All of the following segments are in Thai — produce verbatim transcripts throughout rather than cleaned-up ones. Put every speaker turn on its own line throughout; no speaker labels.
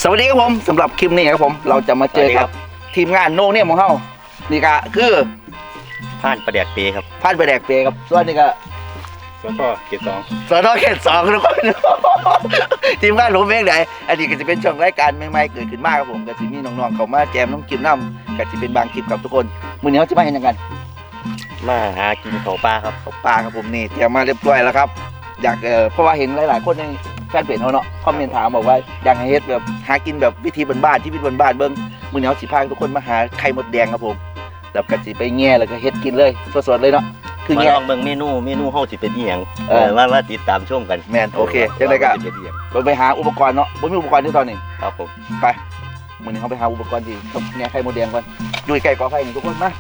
สวัสดีครับผมสำหรับคลิปนี้ครับผมเราจะมาเจอกับทีมงานโนเนี่ยของเขานี่ก็คือ
ผ่านประแดกเปครับ
ผ่านประแดกเปครับส่วนนี้ก็
สทเขตสอง
สทเขตสองทุกคนทีมงานผมเองไหนอันนี้ก็จะเป็นช่วงรายการใหม่ๆเกิดขึ้นมากครับผมก็จะมีน้องๆเขามาแจมน้องกินน้ำก็จะเป็นบางคลิปกับทุกคนมื้อนี้เขาจะมาเห็นยังไง
มาหากินเขาปลาครับ
เขาปลาครับผมนี่เตรียมมาเรียบร้อยแล้วครับอยากเออเพราะว่าเห็นหลายๆคนในแฟนเพจเขาเนาะคอมเมนต์ถามบอกว่าอยากให้เฮ็ดแบบหากินแบบวิธีบ้านๆชีวิตบ้านๆเบิ่งมื้อนี้เขาสิพาทุกคนมาหาไข่มดแดงครับผมแล้วก็สิไปแง่แล้วก็เฮ็ดกินเลยสดๆเลยเนาะ
คือแง่ลองเบิ่งเมนูเมนูเฮาสิเป็นอีหยังเออว่าว่าติดตามชมกัน
แม่นโอเคจังได๋ก็เราไปหาอุปกรณ์เนาะบ่มีอุปกรณ์ที่ตอนนี้
ครับผม
ไปมื้อนี้เฮาไปหาอุปกรณ์ที่แง่ไข่มดแดงก่อนอยู่ใกล้กอไผ่นี่ทุกคนมา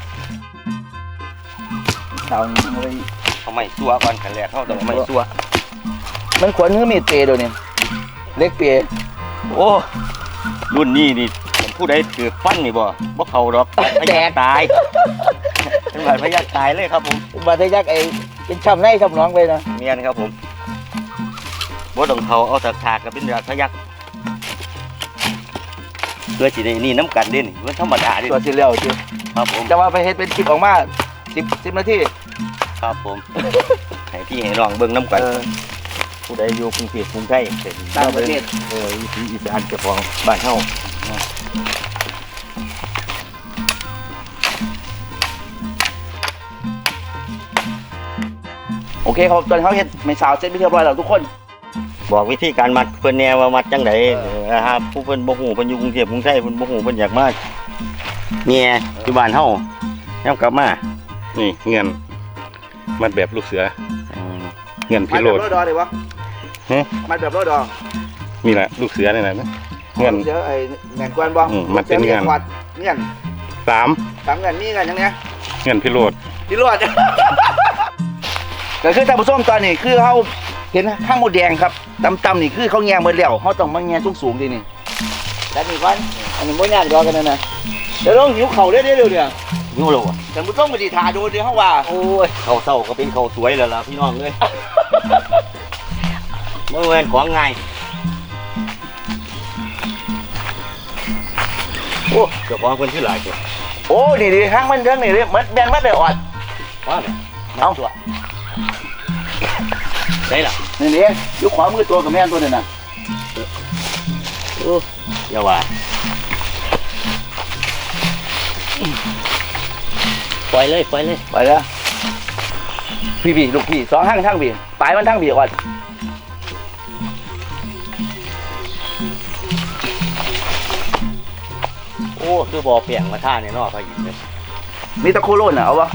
เอาไป
เอาไม้ซัวก่อนขั้นแรกเฮาต้องไม้ซัว
มันขวนมือมีดเปย์เดี๋ยวนี้เล็กเปย์
โอ้รุ่นนี้นี่ผู้ใดถือฟันนี่บ่บ่เข้าดอกพยาตายเป็นบาดพยาตายเลยครับผม
บาดทะยักไอ้เป็นช้ำในช้ำน้องไปนะ
เมียนครับผมบ่ต้องเข้าเอาถากๆก็เป็นบาดทะยักเพื่อสิได้นี่น้ำกันเด้นี่มันธรรมดาดิ
ตัวสิแล้วจิ
ครับผม
จะว่าไปเฮ็ดเป็นคลิปออกมาสิบ สิบนาที
ครับผมให้พี่ให้น้องเบิ่งน้ำกันผู้ใดอยู่กรุงเทพกรุงไทยเป็น
ต่างประเทศ
เออวิถีอีสานเจ้าของบ้านเฮา
โอเคครับตอนเขาเฮ็ดไม่สาวเสร็จไปเรียบร้อยแล้วทุกคน
บอกวิธีการมัดเพิ่นแนวว่ามัดจังไดนะครับผู้เพิ่นบ่ฮู้เพิ่นอยู่กรุงเทพกรุงไทยเพิ่นบ่ฮู้เพิ่นอยากมาแง่อยู่บ้านเฮายามกลับมา
นี่เงื่อนมัดแบบลูกเสือเงื่อนพิโรธ
มัดแบบรอดอเลยวะมัดแบบรอดอ
นี่แหละลูกเสือนี่แหละนะ
เงื่อนเสือไอ้แหน่งกวนบ่
มันเป็นเงื่อน
เงื่อน
สาม
สามเงื่อนนี่เงื่อนยังไง
เงื่อนพิโรธ
พิโรธก็คือท่านผู้ชมตอนนี้คือเขาเห็นข้างมดแดงครับตำๆนี่คือเขาแง่เมื่อแล้วเขาต้องมาแง่สูงๆทีนี่แล้วนี่ก่อนอันนี้ไม่ยากรอกันนะนะเดี๋ยวต้องหิวเข่าเรื่อยๆเนี่ย
หิวแล้วอ่ะ
ท่านผู้ชมมาดีทาดูเดี๋ยวเขาว่า
โอ้ยเข่าเศร้าก็เป็นเข่าสวยแล้วล่ะพี่น้องเลยเมื่อวันของไงโอ้เจ้าของคนที่หลายตัว
โอ้ดีดีข้างมันเรื่องนี่เลยมันแบนมัดเลยอ่อน
ว่าเอาตัวได้ล่ะ
นี่นี่ยุคขวามือตัวกับแม่ตัวนึงนะ
โอ้ยาวาปล่อยเลยปล่อยเลย
ไปแล้วพี่พี่ลูกพี่สองห้างทั้งพี่ปลายมันทั้งพี่อ่อน
โอ้คือบ่อเปียงมาท่าเนี่ยนอกพายินเลย
มีตะโคโลนอ่ะเอาวะ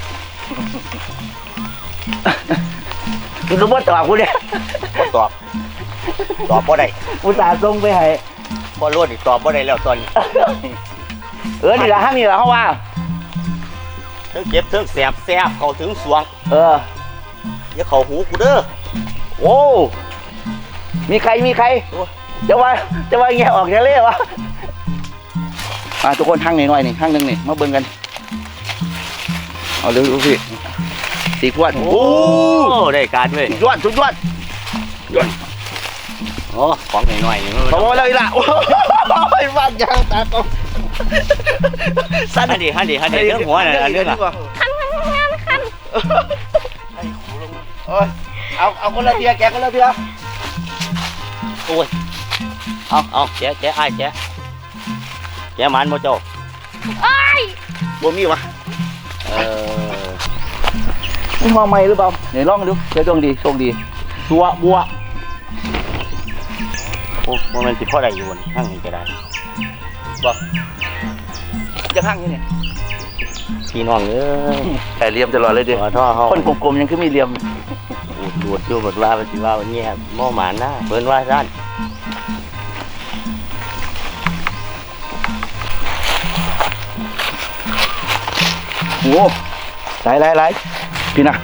คุณสมมติตอบกูเนี่ย
ตอบตอบบ่ได้
อุตส่าห์ส่งไปให้
บ่รู้ดิตอบบ่ได้แล้วตอนนี้
เออนี่ละห้างนี่ละเขาว่า
เทิงเจ็บเทิงแสบแสบเข้าถึงสวง
เออ
อย่าเข้าหูกูเด้อ
โอ้มีใครมีใครจะว่าจะว่าแง่ออกจะเล่วะมาทุกคนห้างหน่อยๆนี่ห้างหนึ่งนี่มาเบิ่งกันเอาเร็วๆพี่สีขวด
โอ้ได้การเว้ย
ยอดสุดยอดยอด
โอ้ของหน่อยๆนี่
พอเลยล่ะโอ้ยฟาดยางตาตรง
สั้นฮันดีฮันดีฮันดีเรื่องหัวน่ะอันนี้ล่ะ
คันคันคันคัน
ไอ้หูลงโอ้ยเอาเอาคนละเทียแกคนละเทีย
โอ้ยเอาเอาแกะแกะไอ้แกะแกะมันโมโจ
ไอ้
บ่มีวะ
เออ
นี่ห้องใหม่หรือเปล่าเดี๋ยวลองดูเดี๋ยวดวงดีโชคดีชัวบัว
โอ้มันสิพ่อได้อยู่บนห้างนี้ก็ได้
บอกจะห้างนี่เนี่ย
พี่น้องเอ้ย
แต่เลียมตลอดเลยดิคนกลมๆยังคือมีเลียม
ดูดดูบทว่าปฏิว่าวันนี้หม้อหมาหน้าเบิ้นว่าด้าน
โอ้ไหลไหลไหลพี่นะ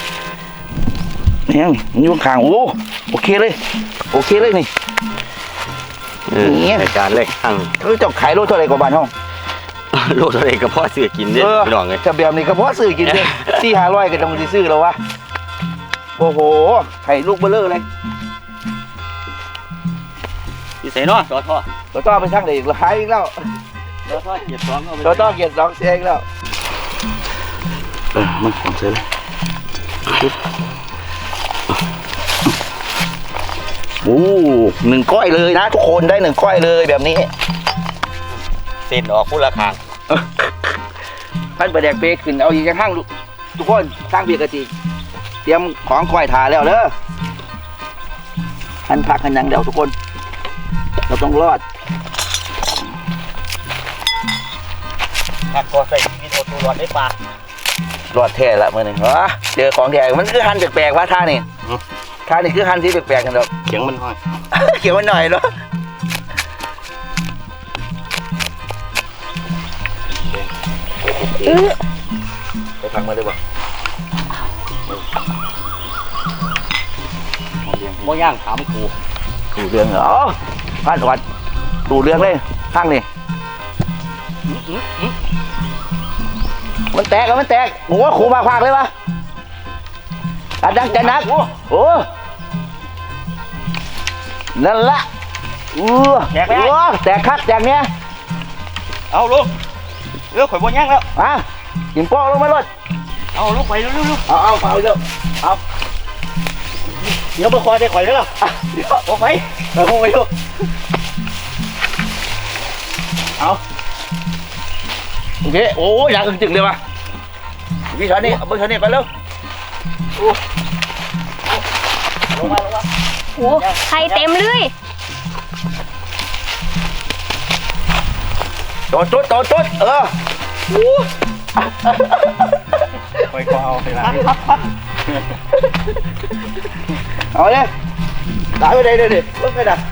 นี่มันอยู่ข้างโอ้โอเคเลยโอเคเลยนี่
นี่รายการเล็กทั้ง
เออเจ้าขายโลเท่าไรกว่าบ้านห้อง
โลอะไรก็พ่อซื้อกินเนี่ยไม่ต้องเลย
จะแบบนี้ก็พ่อซื้อกินเนี่ยสี่ห้าร้อยก็ต้องซื้อแล้ววะโอ้โหไข่ลูกเบลเลอร์เลย
ที่ใส่เนาะต่อท่อ
เราต้องไปช่างเด็กเราหายอีกแล้ว
เราทอดเกียร์สองเอาไป
เราต้องเกียรติสองเสียอีกแล้วเออมันของเสียเลยโอ้หนึ่งก้อยเลยนะทุกคนได้หนึ่งก้อยเลยแบบนี้
เส้นออกผู้ละคาง
ท่านประแดกเปขึ้นเอาอีกข้างลูกทุกคนข้างเบียกระติกเตรียมของก้อยถาแล้วเด้อท่านพักกันยังเดี๋ยวทุกคนเราต้องรอด
ผักก็ใส่ชีวิตเอาตัวรอดได้ปลาร
อดแท้ละเมื่อหนึ่งวะเจอของแท้มันคือหันแปลกๆว่าท่านี่ท่านี่คือหันที่แปลกๆกันดอก
เสียงมันห้อย
เขียวมันหน่อยเนาะไปพังมาได้บ่
โมย่างถามกู
ดูเรื่องเหรอพาดวัดดูเรื่องเลยข้างนี่มันแตกแล้วมันแตกหมูว่าขู่มาพากเลยวะอัดดังใจนักโอ้นั่นละอู้แตกแล้วแตกคักแตกเนี้ย
เอาลูกเรือข่อยโมย่างแล้ว
อ่ะกินโป้ลงมาเลย
เอาลูกไปเร็ว
เอาเอาเอาเร็วเอา
ๆเดี๋ยวมาคอยได้ข่อยแล้วล่ะ
เดี๋ยว
ออกไป
เอาลงไปลูกเอาโอเคโอ้ยอยากอึ้งจึงเลยว่ะพี่ชอนนี่เอาเบอร์ชอนนี่ไปเร็ว
ลงมาลงมา
โอ้ไข่เต็มเลย
โดดจุดโดดจุดเออ
ไปก็เอาไปละ
เอาเลยตายไปเลยเดี๋ยวดิลุกไปดัก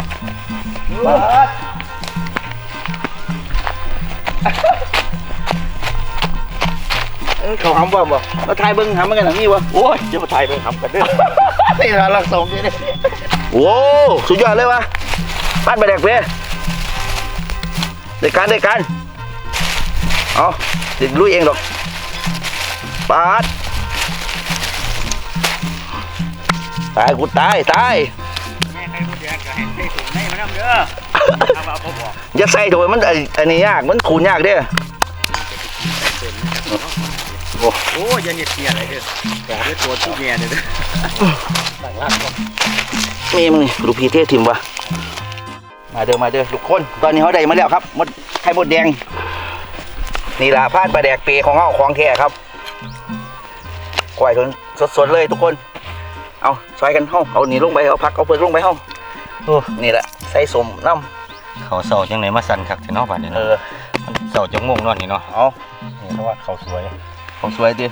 เขาหำบ่บ่มาทายเบิ้งหำมันกันหนังนี่วะ
โอ้ยจะมาถ่ายไปทำกันเด้อ
นี่เราลักส่งนี่นี่โอ้สุดยอดเลยวะบ้านไปแดกเพ่ได้การได้การเอาติดลุยเองดอกปาดตายกูตายตาย
แม่ใครพูดแย่ก็ให้ใส่ถุงในมันน้ำเด้อทำเอาพอบอก
อย่าใส่โถมันอันนี้ยากมันขูดยากเด้อ
โอ้ยยันเห็ดเกียอะไรเด้อแต่ด้วยตัวที่เมียเด้อต่างล่างก็
มีมึงนี่ลูกพี่เททิมวะมาเด้อมาเด้อทุกคนตอนนี้เขาได้มาแล้วครับมดไข่มดแดงนี่ล่ะพาดปลาแดกเปของเขาของแท้ครับกล้วยสดๆเลยทุกคนเอาซอยกันเฮาเอานี่ลงไปเอาผักเอาเปลือกลงไปเฮาโอ้นี่แหละใส่สมน้ำ
เขาเศร้าจังไหนมาสั่นคักแต่นอกบ้านนี่
เอ
เนาะ
อ
มันเศร้าจังงงนอนนี่เนาะ
เอา
นี่เพราะว่าเขาสวย
ของสวยดิ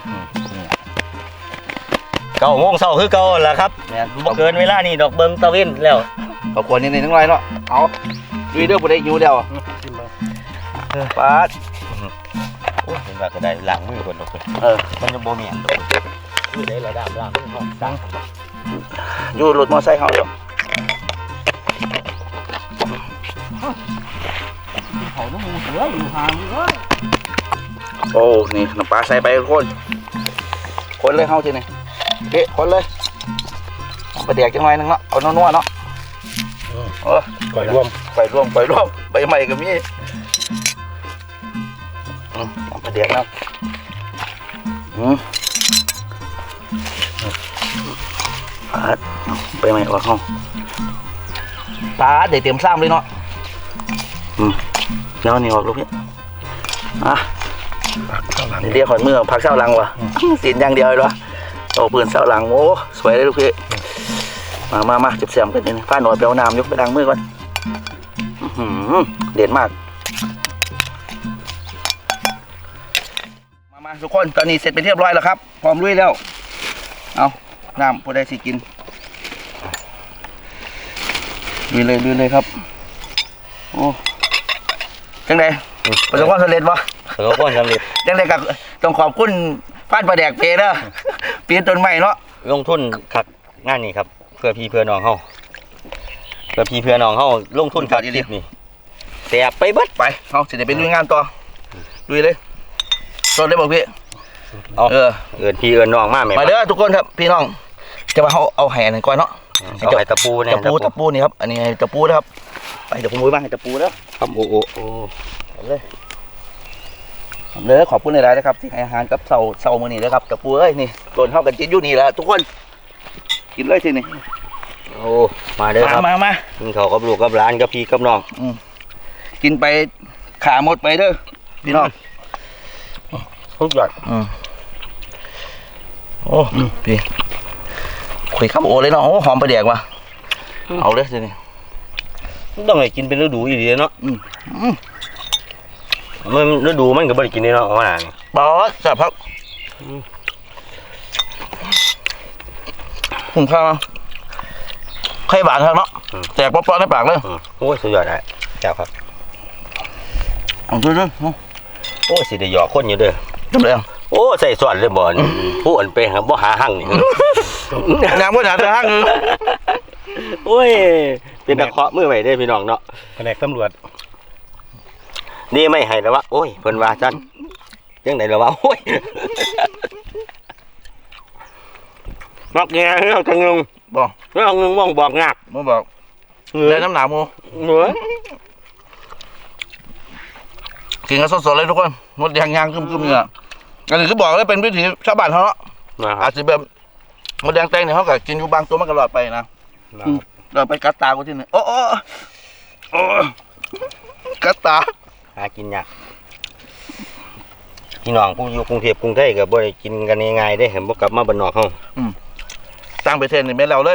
เก้าโมงเศร้าคือเก่าแหละครับ
เนี่ย
บ่เกินเวลานี่ดอกเบิงตะเว้นแล้ว
เอาควรนี่ในทั้งไรเนาะเอาดูเด้อผู้ใดหิวเดียวปาด
โอ้ยเห็นว่าก็ได้ล้างมือคนดอกเพิ่น
เออ
มันจะบ่แม่นดอกคือได้ระดับล้างมือห้องดัง
อยู่รถมอไซค์เฮาเดี๋ยว
เขาน้ำมูเสืออยู่ห่างเอ้ย
โอ้นี่น้ำปลาใส่ไปทุกคนคนเลยเฮาทีนี่เอ๊ะคนเลยปลาแดกจังไรนึงเนาะเอานัวๆเนาะเออ
ก่อยร่วม
ไปร่วมไปร่วมใบใหม่ก็มีอืมเอาปลาแดกนะอืมปาดไปใหม่ออกห้องปาดได้เตรียมซ้ำเลยเนาะอืมแล้วนี่ออกลูกพี่อ่ะเรียกขอนมือพักเส้าหลังวะสีนอย่างเดียวเลยวะโอ้ปืนเส้าหลังโอ้สวยเลยลูกพี่มามามาจับเสียมกันนี่ฟ้าหน่อยไปเอาน้ำยกไปดังมือก่อนเด่นมากมามาทุกคนตอนนี้เสร็จเป็นเรียบร้อยแล้วครับพร้อมลุยแล้วเอาน้ำพอได้สิกินลุยเลยลุยเลยครับโอ้จังไดประสบความสำเร็จปะ
เสือก้อนสำเร็จ
จังไดกับต้องขอบคุณฟ้านปลาแดกเพเด้อเปลี่ยนต้นใหม่เนาะ
ลงทุนคักงานนี้ครับเพื่อพี่เพื่อน้องเฮาเพื่อพี่เพื่อน้องเฮาลงทุนคักอีหลีนี่แสบไปเบิด
ไปเอาสิเดี๋ยวไปลุยงานต่อลุยเลยสดเลยบอกพี่
เอา
เออ
เอิ้นพี่เอิ้นน้องมาแม่
มาเด้อทุกคนครับพี่น้องจะมาเอาเอาแห่หนึ่งก่อนเนาะ
เอาให้ตะปูเนี่ย
ตะปูตะปูนี่ครับอันนี้ตะปูนะครับไปเดี๋ยวผมมือบ้างให้ตะปูแล้ว
ครับโอ้โอ้โอ้
เอาเลยเอาเลยขอบคุณในรายนะครับที่ให้อาหารกับเสาเสามือนี่นะครับตะปูเอ้ยนี่ต้นเท่ากันกินอยู่นี่แหละทุกคนกินเลยทีนี่
โอ้มาเด้อครับ
มามา
กินข้าวกับลูกกับหลานกับพี่กับน้อง
กินไปขาหมดไปเด้อพี่น้อง
ทุกอย่าง
อืมโอ้พี่คุยข้าวโอเลยเนาะโอ้หอมไปแดกว่ะเอาเลยทีนี้
ต้องให้กินเป็นฤดูอีดีเนาะ
อืมอืม
มันฤดูมันก็บ่ได้กินนี่เนาะเอามานี่
บอสจับพักผมข้าวไข่หวานครับเนาะแตกป๊อปๆในปากเลย
อืมโอ้ยสุดยอดเลยแซ่บครับ
เอาด้วยด้วย
โอ้ยสิได้หยอกคนอยู่เด้อ
จำเลย
โอ้ใส่ส่วนเลยบ่อนผู้อันเป็นครับบ่หาหั่งนี่
น้ำก็หนาแต่ห้างนึง
โอ้ยเป็นตะเคาะมือไว้เด้อพี่น้องเนาะ
แผนกตำรวจ
นี่ไม่ให้แล้ววะโอ้ยเพิ่นว่าจันยังไดแล้ววะโอ้ยมักแง่เฮาจังนึง
บอก
เรื่องนึงมองบอกงัก
มึงบอก
เหนือ
เลยน้ำหนาวมู
เหนือ
กินกันสดๆเลยทุกคนมดแดงยางกึ้มๆเนี่ยอันนี้คือบอกเลยเป็นวิถีชาวบ้านเขาเนาะ
นะค
อา
รับ
จจะแบบมดแดงแตงเนี่ยเขาก็กินอยู่บางตัวมันก็หลอดไปนะเราไปกัดตากูที่นี่โอ้โอ้โอ้กัดตา
หากินยากพี่น้องผู้อยู่กรุงเทพกรุงไทยก็บ่ได้กินกันง่ายๆเด้เห็นบ่กลับมาบ้านนอกเฮา
ตั้งไปเทนนี่ไม่เราเลย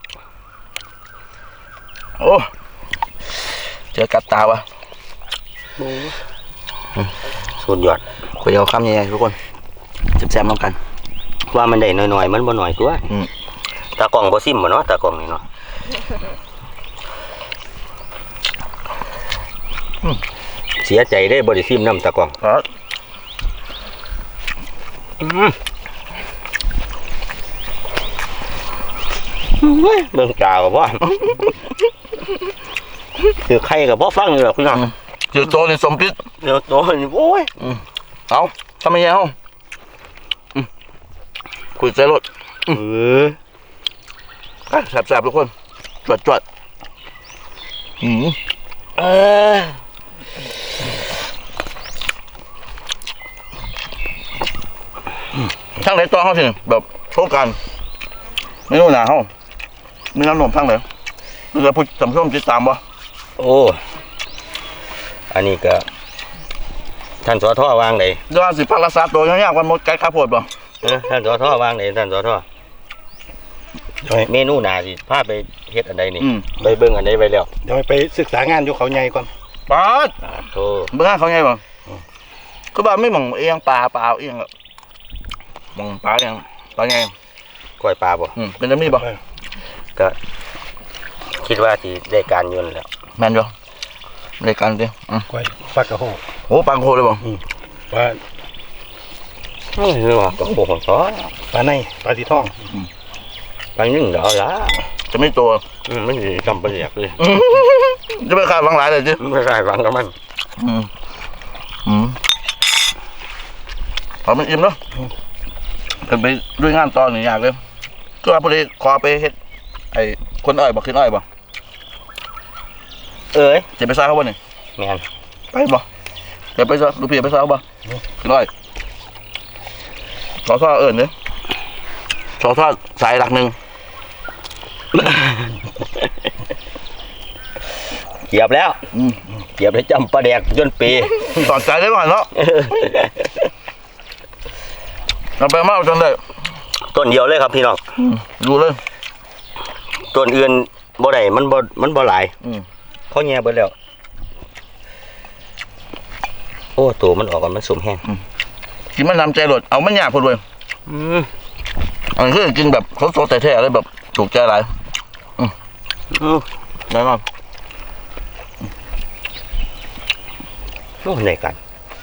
โอ้เจอกัดตาวะ
สุดยอด
คุยเอาคำใหญ่ๆทุกคนแซ่บๆน้ำกัน
ว่ามันได้น้อยๆมันบ่น้อยตัว
อืม
ตากล้องบ่ซิมบ่เนาะตากล้องนี่เนาะเสียใจได้บ่ได้ซิมน้ำตากล้อง
ครับ
เบิ่งจ่าก็บ่คือใครก็บ่ฟังหรอกพี่น้อง
เจอโตนี่สมพิษ
เดี๋ยวโตนี่โอ้ย
เอาทำไมยังเอาอืมคุยใจรถ
เออ
อ่ะแซ่บๆทุกคนจวดจวดอืม
เออ
ทั้งไหนตัวเขาสิแบบโชว์กันไม่รู้หนาเขามีน้ำนมทั้งไหนดูจะพูดสำช่วงติดตามบ่
โอ้อันนี้ก็ท่านสอทอวางไหน
เดี๋ยวสิพักรักษาตัวยากๆวันหมดไก่ข้าวโพดบ่
เออท่านสอทอวางไหนท่านสอทอเมนูหนาสิพาไปเฮ็ดอันใดนี่
อืม
ไปเบิ่งอันใดไว้แล้ว
เดี๋ยวไปศึกษางานอยู่เขาใหญ่ก่อน
ปลาด
อ่าโธ
เบื้องเขาไงบ่คือบ้านไม่หมองเอียงปลาปลาเอียงอะหมองปลาเอียงปลาไง
ก้อยปลาบ่
อืมเป็นจะมีบ่
ก็คิดว่าสิได้การอยืนนแหล้ว
แม่นอยู่รายการดิอืม
ก้อยฟักกระโห
โอ้ปลาโคเลยบ่
ปลา
เฮ้ยนี่ว่าก็โคของซอ
ปลาในปลาสีทอง
บางนึงเดี๋ยวละ
จะไม่ตัว
อืมมันสิจำเป็นอยากเลย
จะไปขาดหลังหลายเลยจิ
ไม่ได้ฟังกับมัน
อืมอืมเอามันอิ่มเนาะเป็นไปด้วยงานตอนนี่ยากเลยก็ว่าพอดีขอไปเฮ็ดไอ้คนอ้อยบ่ขึ้นอ้อยบ่
เอ้ย
จะไปซ่าเขาบ่นี่
แม่น
ไปบ่เดี๋ยวไปซ่าลูกพี่ไปซ่าเขาบ่ขึ้นอ้อยขอซ่าเอิ้นเด้อขอซ่าสายหลักหนึ่ง
เกียบแล้ว
อืม
เกียบได้จำปลาแดกจนปี
สอนใจได้ก่อนเนาะเราไปมาเอาจนได้
ต้นเดียวเลยครับพี่น้อง
อืมดูเลย
ต้นอื่นบ่ได้มันบ่มันบ่หลาย
อืม
เขาแย่เบิดแล้วโอ้ตัวมันออกกันมันสมแห้ง
กินมันนำใจหลดเอามันยากพอด้วย
อืม
อันนี้คือกินแบบเขาโซแต่แท้ๆเลยแบบถูกใจหลาย
อืม
แน่นอน
โอ้ในกัน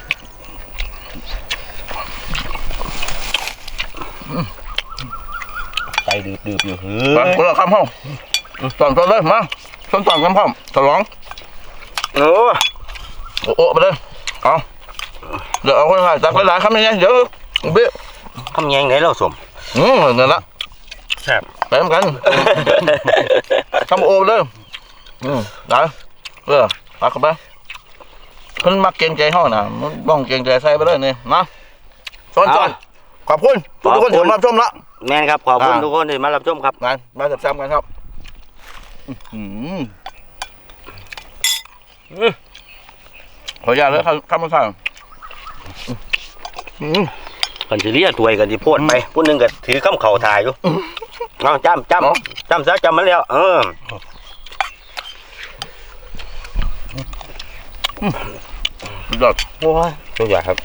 ใจดืบๆอยู่เฮ้
ไป
ย
คนละคำห้องสอนสอนเลยมาสอนสอนคำห้องฉลอง
โอ้
โอ้โอ้ไปเลยเอาเดี๋ยวเอาคนละจับหลายๆคำยังไงเดี๋ยวเบี้ย
คำแยงไหนเราสม
อืมนั่นละ
แซ่บ
ไปทำกันทำโอเลยอืมได้เออปักเข้าไปเพิ่นมักเกรงใจห้องน่ะมันบ้องเกรงใจใส่ไปเลยนี่นะซ้อนซ้อนขอบคุณทุกคนที่มาชมละ
แม่นครับขอบคุณทุกคนที่มารับชมครับ
งานมาจับซ้ำกันครับอืมขออนุญาตเลยครับข้ามมาสั่งอืม
กันสิเรียกถวยกันสิโพดไปผู้หนึงก็ถือข้ามเข่าถ่ายอยู่เอาจำจำจำซะจำมันแล้วเออ
สุดยอด
โอ้ยทุกอย่างครับ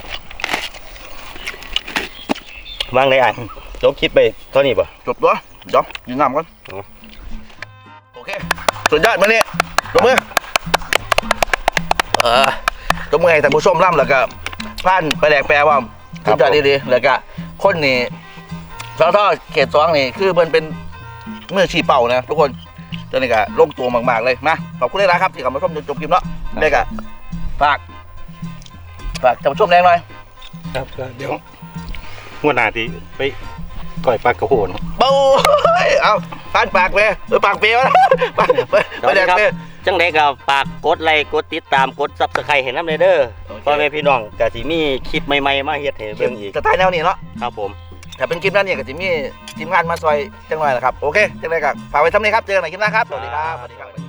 วางได้อ่ะจบคลิปไปเท่านี้ป่ะ
จบตัวเดี๋ยวยืนน้ำก่อนโอเคสุดยอดมาเนี่ยจบมือเออจบมือให้ท่านผู้ชมร่ำแล้วก็ผ่านไปแดกแปลว่าสุดยอดดีๆแล้วก็คนนี่สอทอเขตสองนี่คือเพิ่นเป็นมือชี้เป่านะทุกคนเจ้านี่ก็ลงตัวมากๆเลยมาขอบคุณเลยนะครับที่เข้ามาชมจนจบคลิปเนาะได้ก็ฝากฝากท่านผู้ชมแรงหน่อย
ครับเดี๋ยวหัวหน้าที่ไปก่อยปลากระโหน
เบ้าเอาผ่านปากไปเออปากเปรี้ยวนะไปไปไปแดกเปรี้ยว
จังไดก็ฝากกดไลค์กดติดตามกดซับสไครต์ให้นำเด้อ
โอเค
พ่อแม่พี่น้องก็สิมีคลิปใหม่ๆมาเฮ็ดให้เบิ่งอีก
สไตล์แนวนี้เนาะ
ครับผม
ถ้าเป็นคลิปนั้นเนี่ยก็จะมีทีมงานมาซอยจังหน่อยแหละครับ โอเค จังไรกับฝากไว้ทำนี้ครับ เจอกันใหม่คลิปหน้าครับ สวัสดีครับ สวัสดีครับ